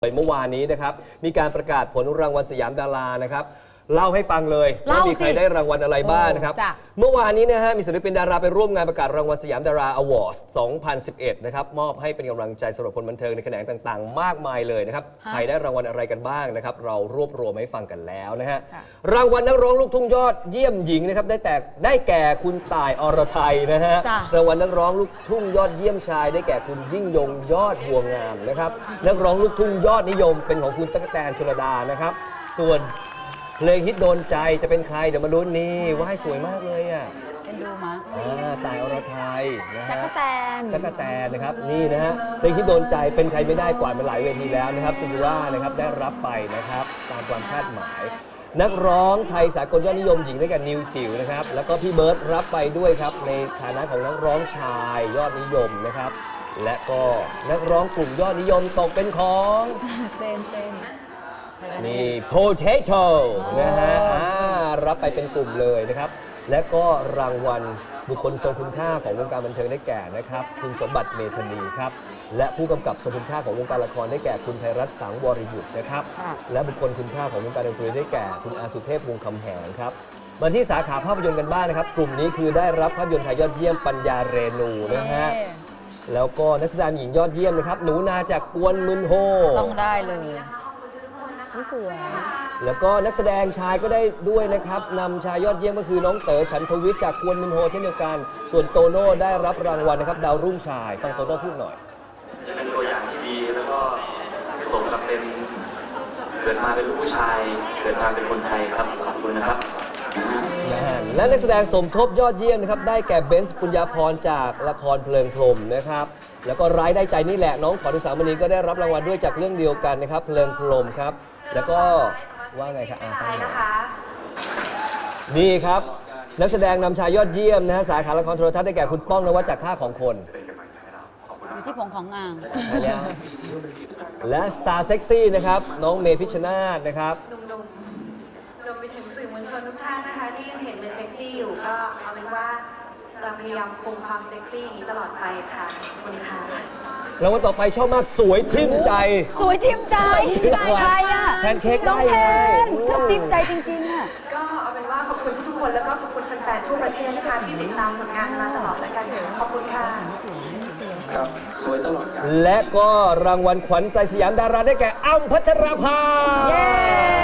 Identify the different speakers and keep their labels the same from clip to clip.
Speaker 1: เมื่อวานนี้นะครับมีการประกาศผลรางวัลสยามดารานะครับเล่าให้ฟังเลยว่ามีใครได้รางวัลอะไรบ้างนะครับเมื่อวานนี้นะฮะมีศิลปินดาราไปร่วมงานประกาศรางวัลสยามดาราอวอร์ด 2011 นะครับมอบให้เป็นกำลังใจสำหรับคนบันเทิงในแขนงต่างๆ มากมายเลยนะครับใครได้รางวัลอะไรกันบ้างนะครับเรารวบรวมให้ฟังกันแล้วนะฮะรางวัลนักร้องลูกทุ่งยอดเยี่ยมหญิงนะครับได้แก่คุณต่ายอรไทยนะฮะรางวัลนักร้องลูกทุ่งยอดเยี่ยมชายได้แก่คุณยิ่งยงยอดบัวงามนะครับนักร้องลูกทุ่งยอดนิยมเป็นของคุณตั๊กแตนชลดานะครับส่วนเพลงฮิตโดนใจจะเป็นใครเดี๋ยวมาลุ้นนี่ว่าให้สวยมากเลยอ่ะ
Speaker 2: เป็นดูมา
Speaker 1: ต่ายอรไทยนะฮะ
Speaker 2: ตั๊กแตน
Speaker 1: นะครับนี่นะฮะเพลงฮิตโดนใจเป็นใครไม่ได้กวาดมาหลายเวทีแล้วนะครับซินดรานะครับได้รับไปนะครับตามความคาดหมายนักร้องไทยสากลยอดนิยมหญิงด้วยกันนิวจิ๋วนะครับแล้วก็พี่เบิร์ตรับไปด้วยครับในฐานะของนักร้องชายยอดนิยมนะครับและก็นักร้องกลุ่มยอดนิยมตกเป็นของ
Speaker 2: เต้น
Speaker 1: นี่ Potato นะฮะรับไปเป็นกลุ่มเลยนะครับและก็รางวัลบุคคลทรงคุณค่าของวงการบันเทิงได้แก่นะครับคุณสมบัติเมธานีครับและผู้กำกับทรงคุณค่าของวงการละครได้แก่คุณไพรัตน์สังวรยุทธ์นะครับและบุคคลคุณค่าของวงการดนตรีได้แก่คุณอาสุเทพวงศ์คำแหงครับมาที่สาขาภาพยนตร์กันบ้างนะครับกลุ่มนี้คือได้รับภาพยนตร์ไทยยอดเยี่ยมปัญญาเรนูนะฮะแล้วก็นักแสดงหญิงยอดเยี่ยมนะครับหนูนาจากกวนมึนโฮ
Speaker 2: ต้องได้เลยสวย
Speaker 1: แล้วก็นักแสดงชายก็ได้ด้วยนะครับนำชายยอดเยี่ยมก็คือน้องเต๋อฉันทวิทย์จากกวนมินโฮเช่นเดียวกันส่วนโตโน่ได้รับรางวัลนะครับดาวรุ่งชายฟังโตโน่พูดหน่อย
Speaker 3: จะเป็นตัวอย่างที่ดีแล้วก็สมกับเป็นเกิดมาเป็นลูกผู้ชายเกิดมาเป็นคนไทยครับขอบคุณนะครับ
Speaker 1: และนักแสดงสมทบยอดเยี่ยมนะครับได้แก่เบนซ์ปุญญาพรจากละครเพลิงพรหมนะครับแล้วก็ร้ายได้ใจนี่แหละน้องขวัญอุสามณีก็ได้รับรางวัลด้วยจากเรื่องเดียวกันนะครับเพลิงพรหมครับแล้วก็ว่าไงครับฟังหน่อยนี่ครับนักแสดงนำชายยอดเยี่ยมนะฮะสาขาละครโทรทัศน์ได้แก่คุณป้องนวัดจากค่าของคน
Speaker 2: อยู่ที่ผงของงาม
Speaker 1: และสตาร์เซ็กซี่นะครับน้องเมย์พิชชนาธิ์นะครับ
Speaker 4: รวมไปถึงสื่อมวลชนทุกท่านนะคะที่ยังเห็นเป็นเซ็กซี่อยู่ก็เอาเป็นว่าจะพยายามคงความเซ็กซี่อย่างนี้ตลอดไปค่ะขอบคุณค่ะ
Speaker 1: แล้ววันต่อไปชอบมากสวยทิ่มใจ
Speaker 2: สวยทิ่มใจใครอ่ะ
Speaker 1: แพนเค้กได้
Speaker 2: ไงชอบทิ่มใจจริงๆอ่ะ
Speaker 4: ก็เอาเป็นว่าขอบคุณทุกๆคนแล้วก็ขอบคุณแฟนๆทั่วประเทศนะคะที่ติดตามผลงานมาตลอดแล้วกันขอบคุณค่ะ
Speaker 3: ครับสวยตลอดกาล
Speaker 1: และก็รางวัลขวัญใจสยามดาราได้แก่อ้ำพัชราภา
Speaker 2: เย้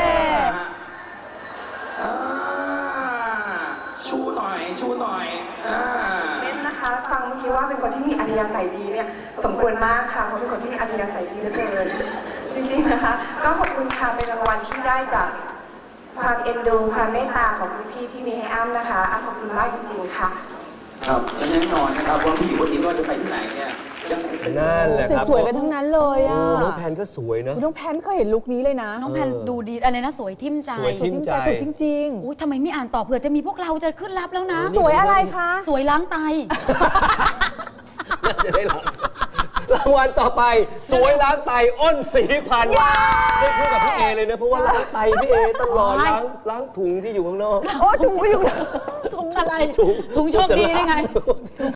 Speaker 3: ชูหน่อย
Speaker 4: เน้นนะคะฟังเมื่อกี้ว่าเป็นคนที่มีอัธยาศัยดีเนี่ยสมควรมากค่ะเพราะเป็นคนที่มีอัธยาศัยดีเหลือเกินจริงๆนะคะก็ขอบคุณค่ะเป็นรางวัลที่ได้จากความเอ็นดูความเมตตาของพี่ๆที่มีให้อ้ำนะคะอ้ำขอบคุณมากจริงๆค่ะ
Speaker 3: ครับและแน่นอนนะครับว่าพี่คนนี้ว่าจะไปที่ไหนเนี่ย
Speaker 1: นั่นแหละครับ
Speaker 2: สวยกันทั้งนั้นเลยอ่ะ
Speaker 1: น้องแพนก็สวยนะ
Speaker 2: น้องแพนก็เห็นลุคนี้เลยนะน้องแพนดูดีอะไรนะสวยทิ่มใจ
Speaker 1: สวยจ
Speaker 2: ริงๆอุ้ยทำไมไม่อ่านต่อเผื่อจะมีพวกเราจะขึ้นรับแล้วนะ
Speaker 1: สวยอะไร
Speaker 2: คะสวยล้างไต
Speaker 1: น่าจะได้รางวัลต่อไปสวยล้างไตอ้นศรีพันธ์ได้คู่กับพี่เอเลยนะเพราะว่าล้างไตพี่เอต้องรอล้างถุงที่อยู่ข้างนอก
Speaker 2: ถุงไม่อยู่ถุงอะไรถุงโชคดีได้ไง